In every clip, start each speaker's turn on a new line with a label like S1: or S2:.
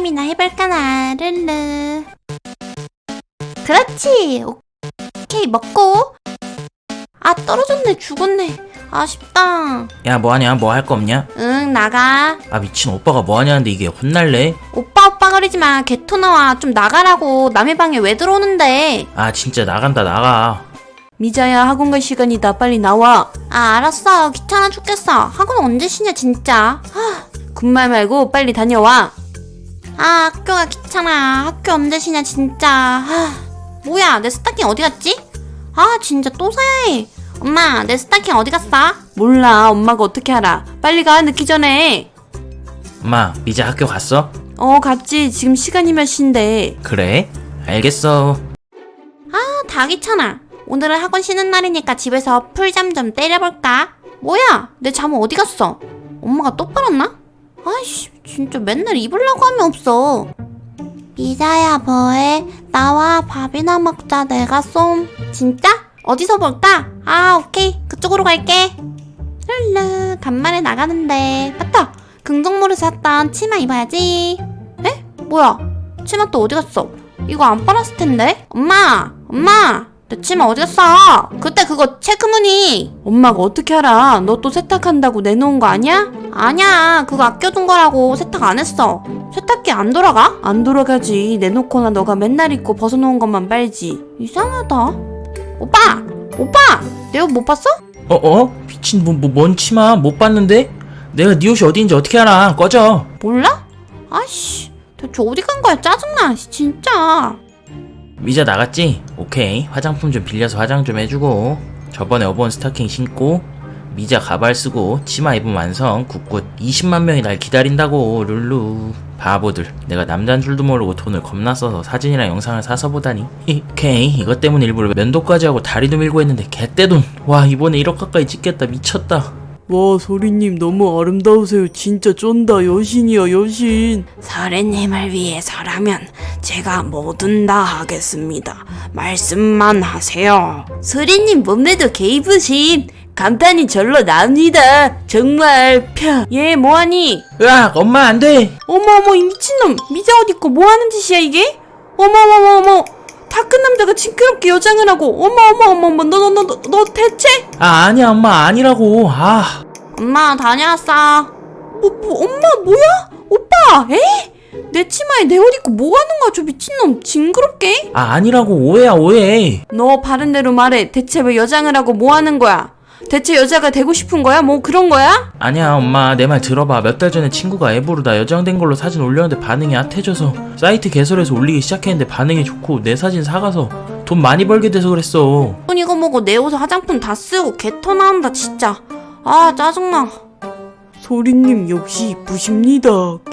S1: 게임이나 해볼까나. 르르. 그렇지. 오케이, 먹고. 아, 떨어졌네. 죽었네. 아쉽다.
S2: 야, 뭐하냐? 뭐 할 거 없냐?
S1: 응, 나가.
S2: 아, 미친 오빠가 뭐하냐는데 이게 혼날래?
S1: 오빠 거리지마. 개토 나와. 좀 나가라고. 남의 방에 왜 들어오는데.
S2: 아, 진짜 나간다, 나가.
S3: 미자야, 학원 갈 시간이다. 빨리 나와.
S1: 아, 알았어. 귀찮아 죽겠어. 학원 언제 쉬냐 진짜.
S3: 군말 말고 빨리 다녀와.
S1: 아, 학교가 귀찮아. 학교 언제 쉬냐 진짜. 뭐야, 내 스타킹 어디 갔지? 아, 진짜 또 사야 해. 엄마, 내 스타킹 어디 갔어?
S3: 몰라. 엄마가 어떻게 알아. 빨리 가. 늦기 전에.
S2: 엄마, 미자 학교 갔어?
S3: 갔지. 지금 시간이 몇 시인데.
S2: 그래? 알겠어.
S1: 다 귀찮아. 오늘은 학원 쉬는 날이니까 집에서 풀잠 좀 때려볼까? 뭐야, 내 잠은 어디 갔어? 엄마가 또 빨았나? 아이씨, 진짜 맨날 입으려고 하면 없어. 미자야, 뭐해? 나와. 밥이나 먹자. 내가 쏨. 진짜? 어디서 볼까? 아, 오케이. 그쪽으로 갈게. 룰루, 간만에 나가는데. 맞다! 긍정몰에서 샀던 치마 입어야지. 에? 뭐야? 치마 또 어디 갔어? 이거 안 빨았을 텐데? 엄마! 내 치마 어디 갔어? 그때 그거 체크무늬.
S3: 엄마가 어떻게 알아. 너 또 세탁한다고 내놓은 거 아니야?
S1: 아니야, 그거 아껴둔 거라고. 세탁 안 했어. 세탁기 안 돌아가?
S3: 안 돌아가지. 내놓거나 너가 맨날 입고 벗어놓은 것만 빨지.
S1: 이상하다. 오빠! 내 옷 못 봤어?
S2: 미친 뭔 치마 못 봤는데? 내가 네 옷이 어디인지 어떻게 알아? 꺼져.
S1: 몰라? 아이씨, 대체 어디 간 거야? 짜증나, 진짜.
S2: 미자 나갔지? 오케이. 화장품 좀 빌려서 화장 좀 해주고, 저번에 업어온 스타킹 신고 미자 가발 쓰고 치마 입으면 완성. 굿굿. 20만 명이 날 기다린다고. 룰루 바보들. 내가 남잔 줄도 모르고 돈을 겁나 써서 사진이랑 영상을 사서 보다니. 오케이. 이것 때문에 일부러 면도까지 하고 다리도 밀고 했는데 개떼돈. 와, 이번에 1억 가까이 찍겠다. 미쳤다.
S3: 와, 소리님 너무 아름다우세요. 진짜 쫀다. 여신이야, 여신.
S4: 서리님을 위해서라면 제가 뭐든 다 하겠습니다. 말씀만 하세요.
S3: 소리님 몸매도 개이쁘심. 감탄이 절로 납니다. 정말 얘 뭐하니?
S2: 으악, 엄마 안 돼.
S3: 어머 이 미친놈. 미자 옷 입고 뭐하는 짓이야 이게? 어머 다 큰 남자가 징그럽게 여장을 하고. 어머 너 대체?
S2: 아니야, 엄마 아니라고.
S1: 엄마, 다녀왔어.
S3: 엄마 뭐야? 오빠 에? 내 치마에 내 옷 입고 뭐하는 거야 저 미친놈. 징그럽게.
S2: 아니라고. 오해야, 오해.
S3: 너 바른 대로 말해. 대체 왜 여장을 하고 뭐하는 거야? 대체 여자가 되고 싶은 거야? 뭐 그런 거야?
S2: 아니야, 엄마 내 말 들어봐. 몇 달 전에 친구가 앱으로 나 여장된 걸로 사진 올렸는데 반응이 핫해져서 사이트 개설해서 올리기 시작했는데 반응이 좋고 내 사진 사가서 돈 많이 벌게 돼서 그랬어.
S1: 돈 이거 먹고 내 옷에 화장품 다 쓰고 개토 나온다 진짜. 아, 짜증나.
S3: 소리님 역시 이쁘십니다.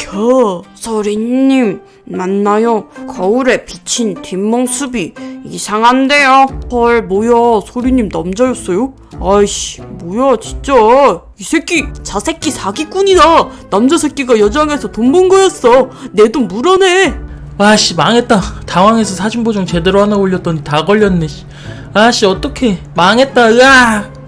S4: 서리님, 맞나요? 거울에 비친 뒷모습이 이상한데요.
S3: 헐 뭐야 소리님 남자였어요? 아이씨 뭐야 진짜. 이 새끼 저 새끼 사기꾼이다. 남자 새끼가 여장해서 돈 번 거였어. 내 돈 물어내.
S2: 와씨, 망했다. 당황해서 사진 보정 제대로 하나 올렸더니 다 걸렸네. 아씨, 어떡해. 망했다. 으악.